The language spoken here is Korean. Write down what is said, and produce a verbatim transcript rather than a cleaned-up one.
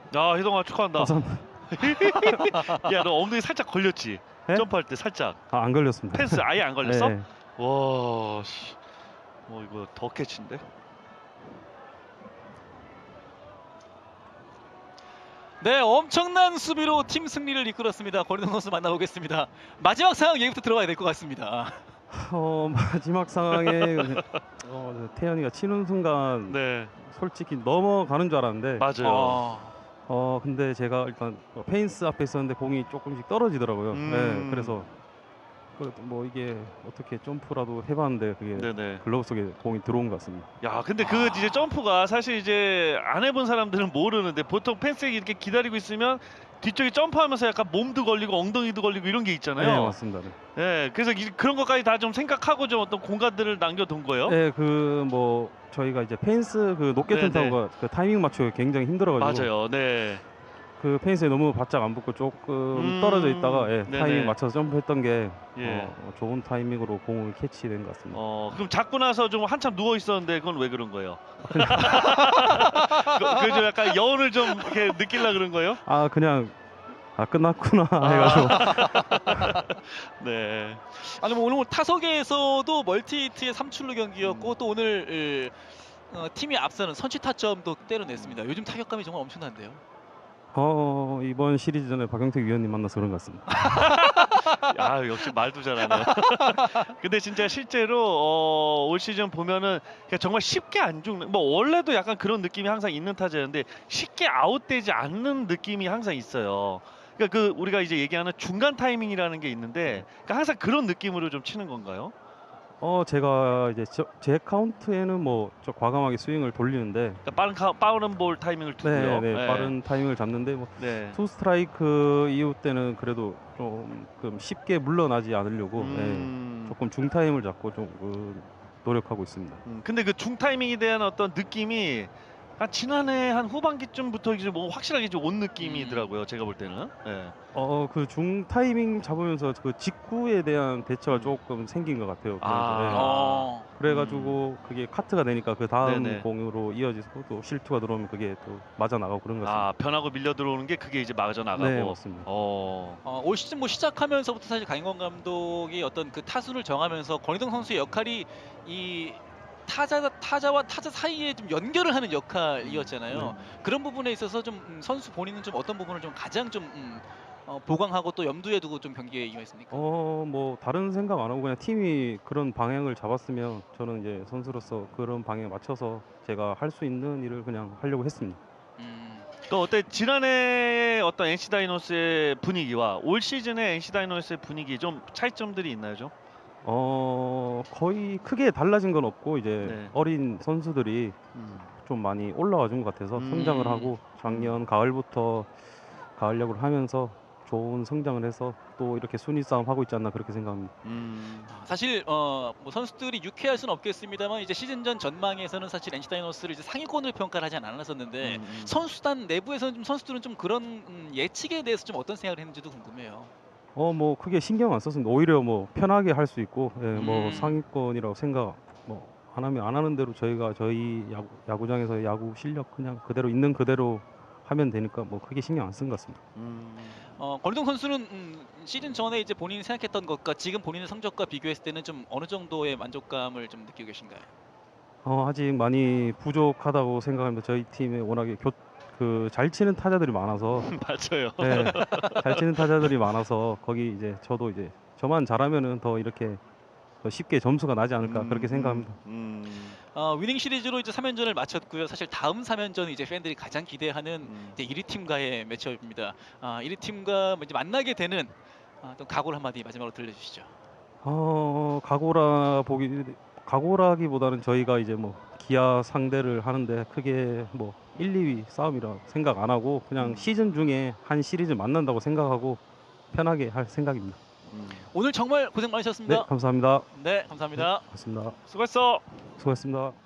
아, 희동아 축하한다. 감사합니다. 야, 너 엉덩이 살짝 걸렸지? 네? 점프할 때 살짝. 아, 안 걸렸습니다. 펜스 아예 안 걸렸어? 네. 와, 씨. 뭐 이거 더 캐치인데? 네, 엄청난 수비로 팀 승리를 이끌었습니다. 권희동 선수 만나보겠습니다. 마지막 상황 얘기부터 들어가야 될 것 같습니다. 어, 마지막 상황에 어, 태연이가 치는 순간 네, 솔직히 넘어가는 줄 알았는데 맞아요. 어, 어 근데 제가 일단 어, 페인스 앞에 있었는데 공이 조금씩 떨어지더라고요. 음. 네, 그래서 그래도 뭐 이게 어떻게 점프라도 해봤는데 그게 네네. 글러브 속에 공이 들어온 것 같습니다. 야, 근데 그 이제 점프가 사실 이제 안 해본 사람들은 모르는데 보통 펜스에 이렇게 기다리고 있으면 뒤쪽에 점프하면서 약간 몸도 걸리고 엉덩이도 걸리고 이런 게 있잖아요. 네, 맞습니다. 네. 네, 그래서 이- 그런 것까지 다 좀 생각하고 좀 어떤 공간들을 남겨둔 거예요. 네, 그 뭐 저희가 이제 페인스 그 높게 튼 네네. 타구가 그 타이밍 맞추기 굉장히 힘들어가지고 맞아요. 네. 그 페인스에 너무 바짝 안 붙고 조금 음, 떨어져 있다가 예, 네네. 타이밍 맞춰서 점프했던 게 예. 어, 좋은 타이밍으로 공을 캐치된 것 같습니다. 어, 그럼 잡고 나서 좀 한참 누워 있었는데 그건 왜 그런 거예요? 그, 그좀 약간 여운을 좀 이렇게 느끼려 그런 거예요? 아 그냥 아 끝났구나 해가지고 네. 아니 뭐 오늘 타석에서도 멀티히트의 삼출루 경기였고 음. 또 오늘 으, 어, 팀이 앞서는 선취 타점도 때려냈습니다. 요즘 타격감이 정말 엄청난데요. 어 이번 시리즈 전에 박영택 위원님 만나서 그런 것 같습니다. 아, 역시 말도 잘하네. 근데 진짜 실제로 어, 올 시즌 보면은 그냥 정말 쉽게 안 죽는, 뭐 원래도 약간 그런 느낌이 항상 있는 타자였는데 쉽게 아웃되지 않는 느낌이 항상 있어요. 그러니까 그 우리가 이제 얘기하는 중간 타이밍이라는 게 있는데 그러니까 항상 그런 느낌으로 좀 치는 건가요? 어 제가 이제 저, 제 카운트에는 뭐 저 과감하게 스윙을 돌리는데 그러니까 빠른 카, 빠른 볼 타이밍을 두고요. 네, 네, 빠른 타이밍을 잡는데 뭐 네. 투 스트라이크 이후 때는 그래도 조금 쉽게 물러나지 않으려고 음. 예, 조금 중 타임을 잡고 좀 그, 노력하고 있습니다. 음, 근데 그 중 타이밍에 대한 어떤 느낌이 한 지난해 한 후반기쯤부터 이제 뭐 확실하게 좀 온 느낌이더라고요. 제가 볼 때는. 예. 어 그 중 타이밍 잡으면서 그 직구에 대한 대처가 음. 조금 생긴 것 같아요. 아. 그래서, 예. 어, 그래가지고 그게 카트가 되니까 그 다음 네네. 공으로 이어져서 또 실투가 들어오면 그게 또 맞아 나가고 그런 것 같습니다. 아, 변하고 밀려 들어오는 게 그게 이제 맞아 나가고. 네, 맞습니다. 어. 어, 올 시즌 뭐 시작하면서부터 사실 강인권 감독이 어떤 그 타순을 정하면서 권희동 선수의 역할이 이 타자 타자와 타자 사이에 좀 연결을 하는 역할이었잖아요. 네. 그런 부분에 있어서 좀 음, 선수 본인은 좀 어떤 부분을 좀 가장 좀 음, 어, 보강하고 또 염두에 두고 좀 경기에 임했습니까? 어, 뭐 다른 생각 안 하고 그냥 팀이 그런 방향을 잡았으면 저는 이제 선수로서 그런 방향에 맞춰서 제가 할 수 있는 일을 그냥 하려고 했습니다. 음, 그 어때 지난해 어떤 엔씨 다이노스의 분위기와 올 시즌의 엔씨 다이노스의 분위기 좀 차이점들이 있나요, 좀? 어, 거의 크게 달라진 건 없고 이제 네. 어린 선수들이 음. 좀 많이 올라와 준 것 같아서 음. 성장을 하고 작년 가을부터 가을 야구를 하면서 좋은 성장을 해서 또 이렇게 순위 싸움 하고 있지 않나 그렇게 생각합니다. 음. 아, 사실 어, 뭐 선수들이 유쾌할 수는 없겠습니다만 이제 시즌 전 전망에서는 사실 엔씨 다이노스를 이제 상위권을 평가를 하지 않았었는데 음, 음. 선수단 내부에서는 좀 선수들은 좀 그런 음, 예측에 대해서 좀 어떤 생각을 했는지도 궁금해요. 어, 뭐 크게 신경 안 썼습니다. 오히려 뭐 편하게 할 수 있고 예, 뭐 음. 상위권이라고 생각 뭐 안 하면 안 하는 대로 저희가 저희 야구, 야구장에서 야구 실력 그냥 그대로 있는 그대로 하면 되니까 뭐 크게 신경 안 쓴 것 같습니다. 음. 어, 권희동 선수는 음, 시즌 전에 이제 본인이 생각했던 것과 지금 본인의 성적과 비교했을 때는 좀 어느 정도의 만족감을 좀 느끼고 계신가요? 어, 아직 많이 부족하다고 생각합니다. 저희 팀에 워낙에 교, 그 잘 치는 타자들이 많아서 맞아요. 네, 잘 치는 타자들이 많아서 거기 이제 저도 이제 저만 잘하면은 더 이렇게 더 쉽게 점수가 나지 않을까 음, 그렇게 생각합니다. 음, 음, 어, 위닝 시리즈로 이제 삼 연전을 마쳤고요. 사실 다음 삼 연전은 이제 팬들이 가장 기대하는 음. 이제 일 위 팀과의 매치업입니다. 아, 일 위 팀과 이제 만나게 되는 아, 또 각오를 한마디 마지막으로 들려주시죠. 어, 각오라 보기 각오라기보다는 저희가 이제 뭐 기아 상대를 하는데 크게 뭐 일, 이 위 싸움이라 생각 안 하고 그냥 음. 시즌 중에 한 시리즈 만난다고 생각하고 편하게 할 생각입니다. 음. 오늘 정말 고생 네, 많으셨습니다. 감사합니다. 네, 감사합니다. 고맙습니다. 수고했어. 수고했습니다.